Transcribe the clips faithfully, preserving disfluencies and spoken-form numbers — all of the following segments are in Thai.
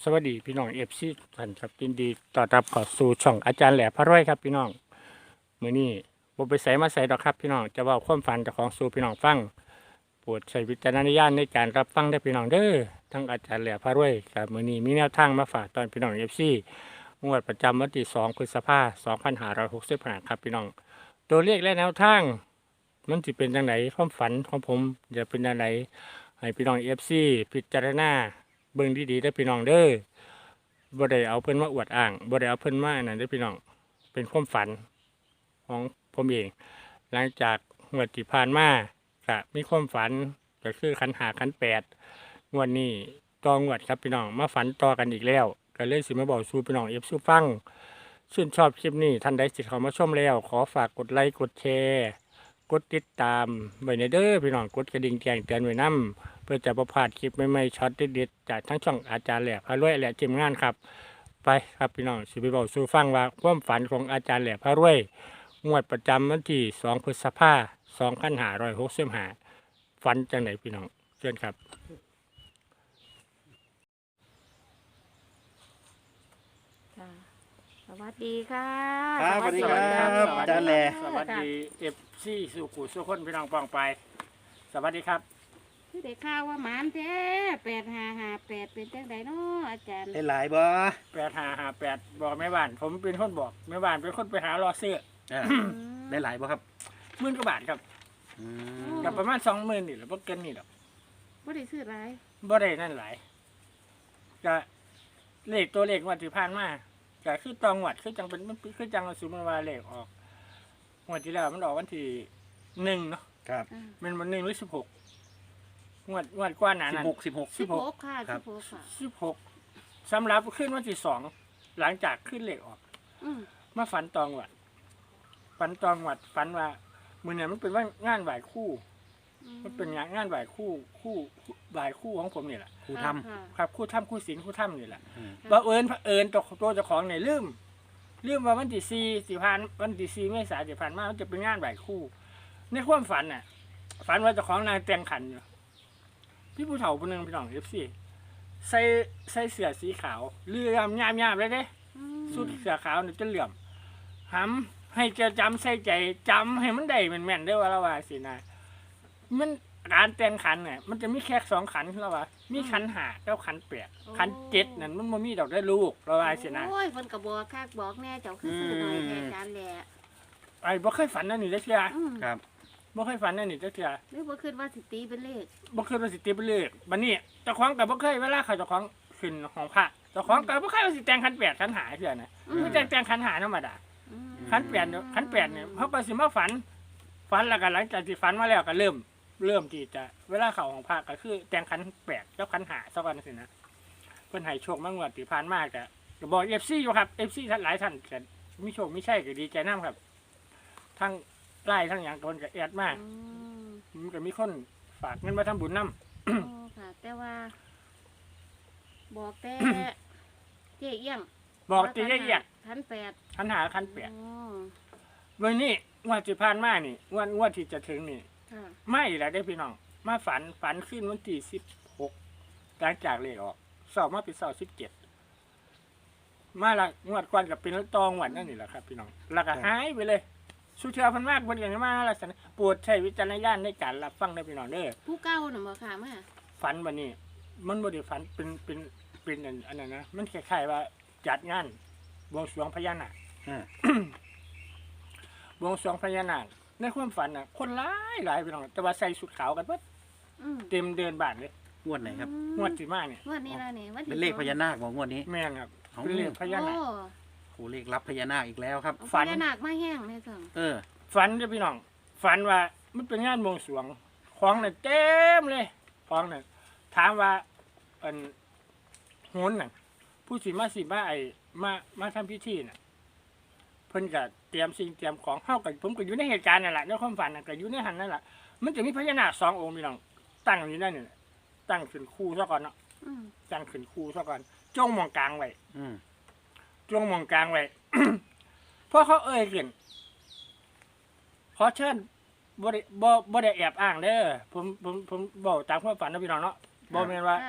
สวัสดีพี่น้องเอฟซีท่านครับยินดีต้อนรับเข้าสู่ช่องอาจารย์แหล่พระรวยครับพี่น้องมื้อนี้บ่ไปใส่มาใส่ดอกครับพี่น้องจะเว้าความฝันเจ้าของสู่พี่น้องฟังโปรดใช้วิจารณญาณในการรับฟังได้พี่น้องเด้อทั้งอาจารย์แหล่พระรวยครับมื้อนี้มีแนวทางมาฝากตอนพี่น้อง เอฟ ซี งวดประจำวันที่สองพฤษภาคมสองพันห้าร้อยหกสิบห้าครับพี่น้องตัวเลขและแนวทางมันสิเป็นจังไดความฝันของผมจะเป็นจังไดให้พี่น้อง เอฟ ซี พิจารณาเบิ่งดีๆได้อพี่น้องเด้อบ่ได้เอาเพิ่นมาอวดอ้างบ่ได้เอาเพิ่นมาอันนั้นเด้อพี่น้องเป็นความฝันของผมเองหลังจากงวดที่ผ่านมาก็มีความฝันก็คือขันหาขันแปดงวดนี้ต่องวดครับพี่น้องมาฝันต่อกันอีกแล้วก็เลยสิมาบอกสู่พี่น้อง เอฟ ซี ฟังชื่นชอบคลิปนี้ท่านใดสิเข้ามาชมแล้วขอฝากกดไลค์กดแชร์กดติดตามไว้ในเด้อพี่น้องกดกระดิ่งแจ้งเตือนไว้นำเพื่อจะประพลาดคลิปใหม่ๆช็อตเด็ดๆจากทั้งช่องอาจารย์แหล่พระรวยและทีมงานครับไปครับพี่น้องสิไปบอกสู่ฟังว่าความฝันของอาจารย์แหล่พระรวยงวดประจำวันที่สองพฤษภาคมสองพันห้าร้อยหกสิบห้าฝันจังไหนพี่น้องเชิญครับค่ะสวัสดีค่ะครับสวัสดีครับอาจารย์แหล่สวัสดีเอฟซีสุขุสุขคนพี่น้องปองไปสวัสดีครับคือได้ข่าวว่าหมานแท้แปดห้าห้าแปดเป็นจังไดเนาะอาจารย์ได้หลายบ่แปดห้าห้าแปดบอกแม่บ้านผมเป็นคนบอกแม่บ้านเป็นคนไปหารอเสื้อเออได้หลายบ่ครับหมื่นกว่าบาทครับอืมกับประมาณสองหมื่นนี่แหละพวกเกินนี่หรอกบ่ได้ซื้อหลายบ่ได้นั่นหลายก็เลขตัวเลขงวัดที่ผ่านมาก็คือตองวัดคือจังเป็นมันคือจังสุมาวาเลขออกงวดที่แล้วมันออกวันที่หนึ่งเนาะครับอ่ามันวันหนึ่งหรือสิบหกงวดงวดกว่าหนาสิบนั้นหกสิบหกสิบหกค่ะครัสิบบหกค่ะสิบหกสำหรับขึ้นวันที่สองหลังจากขึ้นเลขออกอืมมาฝันตองวัดฝันตองวัดฝันว่ามือเนี่ยมันเป็นว่างานไหวคู่ มันเป็นงานงานไหวคู่คู่ไหวคู่ของผมนี่แหละครูทค่ะครับคู่ถ้ำคู่ศิลคู่ถ้ำนี่แหละำอืมบังเอิญเผอิญตัวตัวเจ้าของเนี่ยลืมลืมว่าวันที่สี่สิพันวันที่สี่เมษายนที่ผ่านมามันจะเป็นงานไหวคู่ ในความฝันน่ะ ฝันว่าเจ้าของนางแต่งขันอยู่พี่ผู้เฒ่าคนหนึ่งพี่น้องเอฟซีใส่ใส่เสื้อสีขาวเลื่อมยามยามเลยเด้อืมสุดเสื้อขาวเนี่ยจะเหลื่อมหำให้เจะจำใส่ใจจำให้มันได้แม่นๆได้อว่าละว่าสินะมันการแต่งขันเนี่ยมันจะมีแค่สองขันแล้วว่ามีขันหาแล้วขันแปดขันเจ็ดนั่นมันบ่มีดอกได้ลูกละว่าสินะโอ้ยเพิ่นก็บอกคักบอกแน่เจ้าคือซื้อหน่อยแท้อาจารย์แหละไอ้บ่เคยฝันนั่นนี่จักเทื่ออืมครับบ่เคยฝันนั่นนี่จักเทื่อหรือบ่คิดว่าสิตีเป็นเลขบ่เคยว่าสิตีไปเลยบัดนี้เจ้าของก็บ่เคยเวลาเขาเจ้าของขึ้นของพระเจ้าของก็บ่เคยว่าสิแต่งขันแปดขันหาเทื่อนะคือแต่งแต่งขันหาธรรมดาอืมขันแปดเนี่ยขันแปดเนี่ยเขาก็สิมาฝัน ฝันแล้วก็หลังจากที่ฝันมาแล้วก็เริ่ม เริ่มที่จะเวลาเข้าของพระก็คือแต่งขันแปดกับขันหาสักวันสินะเพิ่นให้โชคมางวดที่ผ่านมาก็ก็บอก เอฟ ซี อยู่ครับ เอฟ ซี ท่านหลายท่านก็มีโชคมีชัยก็ดีใจนํครับ ทั้งไล่ทั้งหยังคนก็แอดมากอืมมันก็มีคนฝากเงินมาทำบุญนํโอ้ค่ะ แต่ว่า บอกแต่เจ๊เอี้ยงบอกตีละเอียดพันแปดขันหาขันแปดอ๋อวันนี้งวดที่ผ่านมานี่งวดงวดที่จะถึงนี่ค่ะไม่แล้วได้อพี่น้อง มาฝันฝันขึ้นวันที่สิบหกหลังจากเลขออกสอบมาเป็นสอบสิบเจ็ดมาละงวดก่อนกับเป็นตองหวันนั่นนี่แหละครับ พี่น้องแล้วก็หายไปเลยสุเทือเพันมากคนอย่างมาลักษณะปวดใช้วิจารณญาณในการรับฟังได้อพี่น้องเด้อผู้เก่าน่ะบ่ค่ะมาฝันวันนี้ มันบ่ได้ฝันเป็นเป็นเป็นอันอันนั้นนะมันคล้ายๆว่าจัดงานบวงสรวงพญานาคอ่าบวงสรวงพญานาคในความฝันน่ะ คนหลายหลายพี่น้องแต่ว่าใส่ชุดขาวกันเบิดอืมเต็มเดินบ้านเลยงวดไหนครับงวดที่มาเนี่ยงวดนี้ล่ะนี่วันที่เป็นเลขสองพญานาคบอกงวดนี้แม่นครับเอาเป็นเลขพญานาคโอ้โอ้เลขรับพญานาคอีกแล้วครับเอาฝันพญานาคมาแห้งเลยสั่งเออฝันจ้ะพี่น้องฝันว่ามันเป็นงานบวงสรวงของน่ะเต็มเลยของน่ะถามว่าอันโหนน่ะผู้สิมาสิมาไอ้มามาทำพิธีน่ะเพิ่นก็เตรียมสิ่งเตรียมของเฮากับผมก็อยู่ในเหตุการณ์นั่นแหละในความฝันน่ะก็อยู่ในหันนั่นแหละมันจะมีพญานาคสององค์พี่น้องตั้งอยู่นั่นนี่แหละตั้งขึ้นคู่ซะก่อนเนาะอืมตั้งขึ้นคู่ซะก่อนจ้องมองกลางไว้อืมจ้วงมองกลางไว้ เพราะเขาเอ่ยขึ้นขอเชิญบ่ได้บ่บ่ได้แอบอ้างเด้อผมผมผมบอกตามความฝันนะพี่น้องเนาะบ่แม่นว่าค่ะ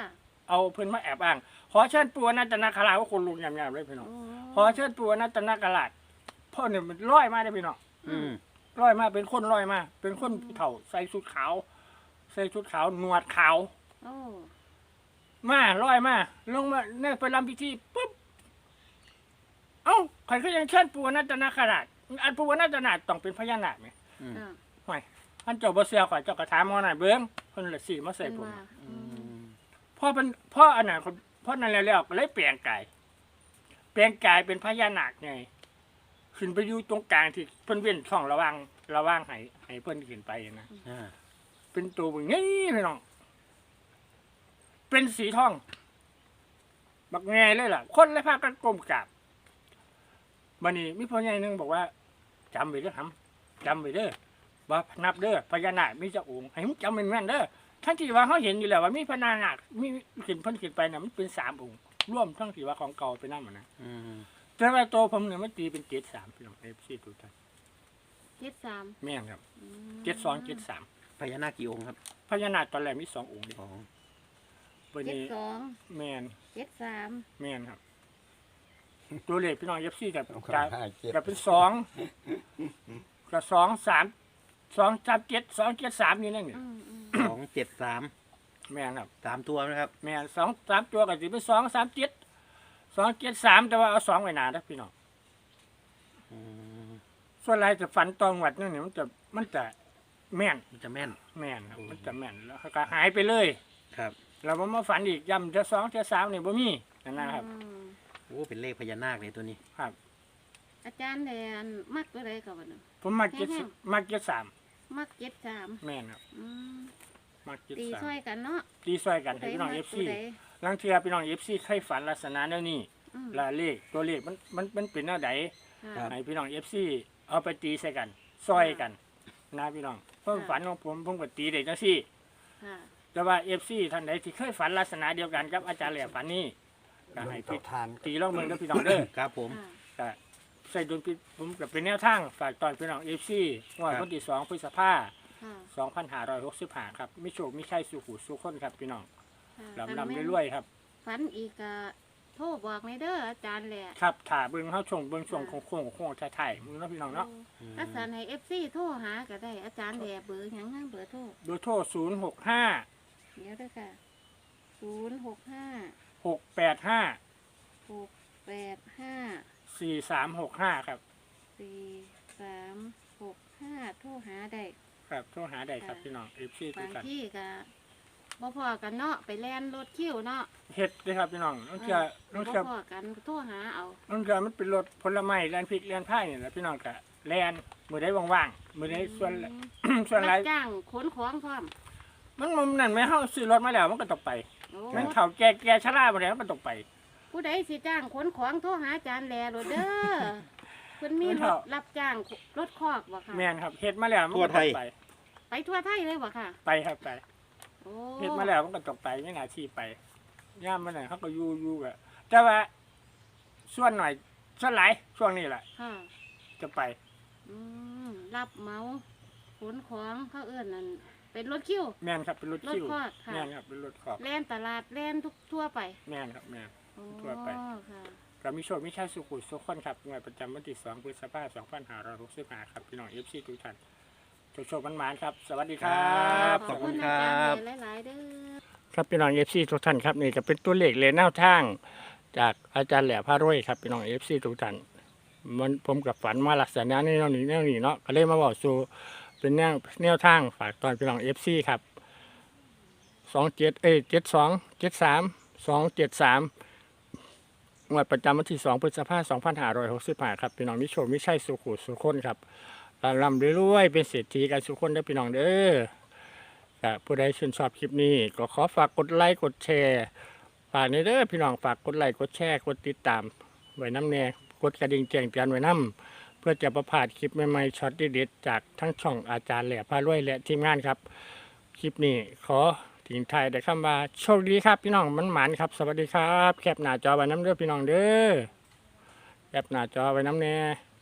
เอาเพิ่นมาแอบอ้างขอเชิญปู่อนันตนาคราชว่าคนลุงยำๆเลยพี่น้องโอ้ขอเชิญปู่อนันตนาคราชพ่อเนี่ยมันลอยมาได้อพี่น้องอืมลอยมาเป็นคนลอยมา เป็นคนเฒ่าใส่ชุดขาว ใส่ชุดขาวหนวดขาวโอ้มาลอยมาลงมาเนี่ยไปรำพิธีปุ๊บเอ้าใครก็ยังเชิญปู่อนันตนาคราชอันปู่อนันตนาคต้องเป็นพญานาคไหมอืมอ่าห่วยอันเจ้าบ่เสียข่อยเจ้ากระถามมาหน่อยเบิ้งเพิ่นละสิมาใส่เป็นผมว่าอือืมมพ่อเป็นพ่ออันนั้นคนพ่อนั่นแล้วๆก็เลยเปลี่ยนกายเปลี่ยนกายเป็นพญานาคไงขึ้นไปอยู่ตรงกลางที่เพิ่นเว้นช่องระหว่างระหว่างให้ให้เพิ่นขึ้นไปนะอ่าเป็นตัวบึงนี่พี่น้องเป็นสีทองบักแงเลยล่ะ คนเลยพากันก้มกราบบัดนี้มีพ่อใหญ่หนึงบอกว่าจำไว้เด้อครับจำไว้เด้อว่านับเด้อพญานาคมีเจ้าองค์ให้มึงจำเป็นแม่นเด้อทั้งที่ว่าเขาเห็นอยู่แล้วว่ามีพญานาคมีขึ้นเพิ่นขึ้นไปน่ะมันเป็นสามองค์ร่วมทั้งที่ว่าของเก่าไปนั่นหมดนะอืมแต่ว่าตัวผมเนี่ยมันตีเป็นเจ็ดสามพี่น้องเอฟซีทุกท่านเจ็ดสามแม่นครับอืมเจ็ดสองเจ็ดสามพญานาคกี่องค์ครับพญานาคตอนแรกมีสององค์เดียวสองวันเจ็ดนี้สองแม่นเจ็ดสามแม่นครับ ตัวเลขพี่น้องเอฟซีกับเอาจะห้าเจ็ดจะเป็นสองกับสองสามสองสามเจ็ดสองเจ็ดสามนี่นั่นนี่อืมอืมสองเจ็ดสามแม่นครับสามตัวนะครับแม่นสองสามตัวกับสิเป็นสองสามเจ็ดสองเจ็ดสามแต่ว่าเอาสองไว้หนานะพี่น้องอืมส่วนไรจะฝันตองวัดนั่นนี่มันจะมันจะแม่นมันจะแม่นแม่นครับอืมมันจะแม่นแล้วก็หายไปเลยครับเราบ่มาฝันอีกย้ำเจะสองเจะสามนี่บ่มีนั่นนะครับอืมโอ้เป็นเลขพญานาคเลยตัวนี้ครับอาจารย์แดนมักตัวใดกับวันนึงผมมาเจ็ดแห้งมาเจ็ดสามมักเจ็ดสามแม่นครับอืมมาเจ็ดตีสามช่วยกันเนาะตีซอยกันให้พี่น้องผู้เอใดฟมักซีผู้ใดลังเทียพี่น้องเอฟซีเคยฝันลักษณะแนวนี้อืมและเลขตัวเลขมันมันมันเป็นแนวใดค่ะให้พี่น้องเอฟซีเอาไปตีใส่กันซอยกันนะพี่น้องเพิ่มฝันของผมผมก็ตีได้จังซี่ค่ะแต่ว่าเอฟซีท่านใดที่เคยฝันลักษณะเดียวกันกับอาจารย์แหล่ฝันนี้ก็ให้ต่พี่อทานตีลองเมืองกับพี่น้องเด้อครับผมค่ะก็ใส่ดุลพิผมก็เป็นแนวทางฝากตอนพี่น้องเอฟซีงวดวันที่สองพฤษภาค่ะสองพันห้าร้อยหกสิบห้าครับมิโชคมิใช่สุขุสุขคนครับพี่น้องค่ะลำลำรวยๆครับฝันอีกก็โทรบอกในเด้ออาจารย์แหละครับถ่าเบิ้งเข้าชงเบิ้งช่วงโค้งโค้งโค้งถ่ายๆมึงเนาะพี่น้องเนาะอืมอาจารย์ให้เอฟซีโทรหาก็ได้อาจารย์แหละเบอร์หยังนั่งเบอร์โทรโดยโทรศูนย์หกห้าเดี๋ยวเด้อค่ะศูนย์หกห้าหกแปดห้าหกแปดห้าสี่สามหกห้าครับสี่สามหกห้าโทรหาได้ครับโทรหาได้ครับพี่น้องเอฟซีทุบาก งท่านที่ก็บ่พอกันเนาะไปแล่นรถคิวเนาะเฮ็ดเลยครับพี่น้องน้องเชื่อน้องบ่เชื่อพอกันโทรหาเอาน้องเชื่อมันเป็นรถผลไม้แลนพริกแลนไผ่นี่แหละพี่น้องกะแลนมือได้ว่างๆมือได้ส่วน ส่วนไรรับจ้างขนของพร้อมมันมันนั่นไหมเฮาซื้อรถมาแล้วมันก็ต้องไปโอ้มันเฒ่าแก่แก่ชราบ่ได้มันก็ต้องไปผู้ใดสิจ้างขนของโทรหาอาจารย์แลโลดเด้อ เพิ่นมีเพิ่นรเฒ่าถรับจ้างรถคอกบ่ค่ะแม่นครับเฮ็ดมาแล้วมันก็ต้องไปไปทั่วไทยเลยบ่ค่ะไปครับไปโอ้เฮ็ดมาแล้วมันก็ต้องไปไม่นาที่ไปย่ามมันน่ะเขาก็อยู่อยู่กะแต่ว่าส่วนหน่อยส่วนหลายช่วงนี้แหละค่ะจะไปอืมรับเหมาขนของเขาเอิ้นนั่นเป็นรถคิวแม่นครับเป็นรถรถคิวคอกค่ะแม่นครับเป็นรถขอบแล่นตลาดแล่นทุกทั่วไปแม่นครับแม่นโอ้ทั่วไปค่ะก็มีโชคมีชัยสุขุสุขคนครับงวดประจำวันที่สองพฤษภาคมสองพันห้าร้อยหกสิบห้าครับพี่น้องเอฟซีทุกท่านโชคโชคมันหมานครับ สวัสดีครับขอบคุณอาครัจารบย์หลายๆเด้อครับพี่น้องเอฟซีทุกท่านครับนี่จะเป็นตัวเลขเลนแนวทาง จากอาจารย์แหล่พารวยครับพี่น้องเอฟซีทุกท่านมันผมกับฝันมาลักษณะนี้แนวนี้แนวนี้เนาะก็เลยมาบอกสู่เป็นแนวแนวทางฝากตอนพี่น้องเอฟซีครับสองเจ็ดเอ้เจ็ดสองเจ็ดสามสองเจ็ดสามงวดประจำวันที่สองพฤษภาคมสองพันห้าร้อยหกสิบห้าครับพี่น้องมิโชคมิใช่สุขุสุขคนครับร่ำรวยๆเป็นเศรษฐีกันสุขคนได้อพี่น้องเด้อ ครับผู้ใดชื่นชอบคลิปนี้ก็ขอฝากกดไลค์กดแชร์ฝากในเด้อพี่น้องฝากกดไลค์กดแชร์กดติดตามไว้น้ำแน่กดกระดิ่งแจ้งเตือนไว้น้ำเพื่อจะประพลาดคลิปใหม่ๆช็อตเด็ดๆจากทั้งช่องอาจารย์แหล่พารวยและทีมงานครับ คลิปนี้ขอทิ้งท้ายแต่คำว่าโชคดีครับพี่น้องมันหมานครับ สวัสดีครับแคปหน้าจอไว้น้ำเด้อพี่น้องเด้อแคปหน้าจอไว้น้ำแน่